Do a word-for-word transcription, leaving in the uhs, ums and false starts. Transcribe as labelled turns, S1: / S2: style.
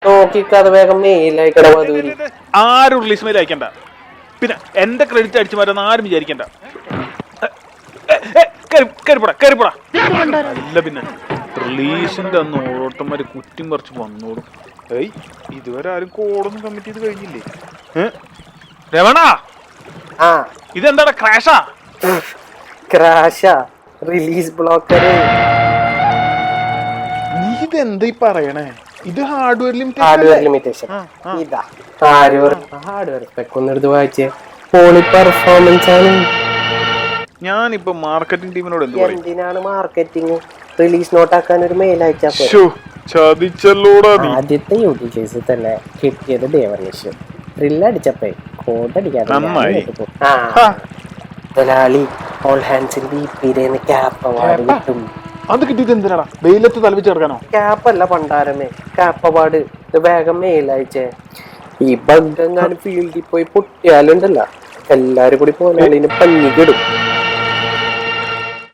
S1: നോക്കിക്കാതെ വേഗം മെയിലയക്കട മധുരി.
S2: ആരും release mail അയക്കണ്ട. പിന്നെ എന്റെ ക്രെഡിറ്റ് അടിച്ചു മാറ്റാന്ന് ആരും വിചാരിക്കണ്ട. അല്ല പിന്നെ റിലീസിന്റെ അന്ന് ഓരോരുത്തന്മാര് കുറ്റും പറിച്ച് വന്നോളും. ഏയ് ഇതുവരെ ആരും കോഡൊന്നും കമ്മിറ്റ് ചെയ്ത് കഴിഞ്ഞില്ലേ? രമണ ഇതെന്താടാ ക്രാഷാ?
S1: ക്രാഷാ റിലീസ് ബ്ലോക്കർ.
S2: നീ ഇതെന്താ ഈ പറയണേ? ഇത് ഹാർഡ്വെയർ
S1: ഹാർഡ്വെയർ ലിമിറ്റേഷൻ. ഇതാ ഹാർഡ്വെയർ ഹാർഡ്വെയർ സ്പെക് ഒന്ന് എടുത്ത് വായിച്ചേ. പോളി പെർഫോമൻസ് ആണ്.
S2: ഞാനിപ്പോ മാർക്കറ്റിംഗ് ടീമിനോട് എന്ത് പറയും?
S1: എന്തിനാണ് മാർക്കറ്റിംഗ്? റിലീസ് നോട്ട് ആക്കാൻ ഒരു മെയിൽ അയച്ചാ
S2: ചതിച്ചല്ലോടാ.
S1: ആദ്യത്തെ യൂട്യൂബ് കേസിൽ തന്നെ കിട്ടിയത് ഡേവർണിഷ്. ത്രില്ല് അടിച്ചപ്പേ കോഡ് അടിക്കാതെ മുതലാളി ഓൾ ഹാൻഡ്സിന്റെ ഇപ്പിരേന്ന് ക്യാപ്പ് അവാർഡ് കിട്ടും.
S2: അത് കിട്ടിയത് എന്തിനാടാ? വെയിലത്ത് തലവിച്ച് കിടക്കാനോ?
S1: ക്യാപ്പല്ല പണ്ടാരമേ, ക്യാപ്പ് അവാർഡ്. വേഗം മെയിൽ അയച്ചേ. ഈ ബഗ് എങ്ങാനും ഫീൽഡിൽ പോയി പൊട്ടിയാലുണ്ടല്ല എല്ലാരും കൂടി പോയാലിന് പഞ്ഞിക്കിടും.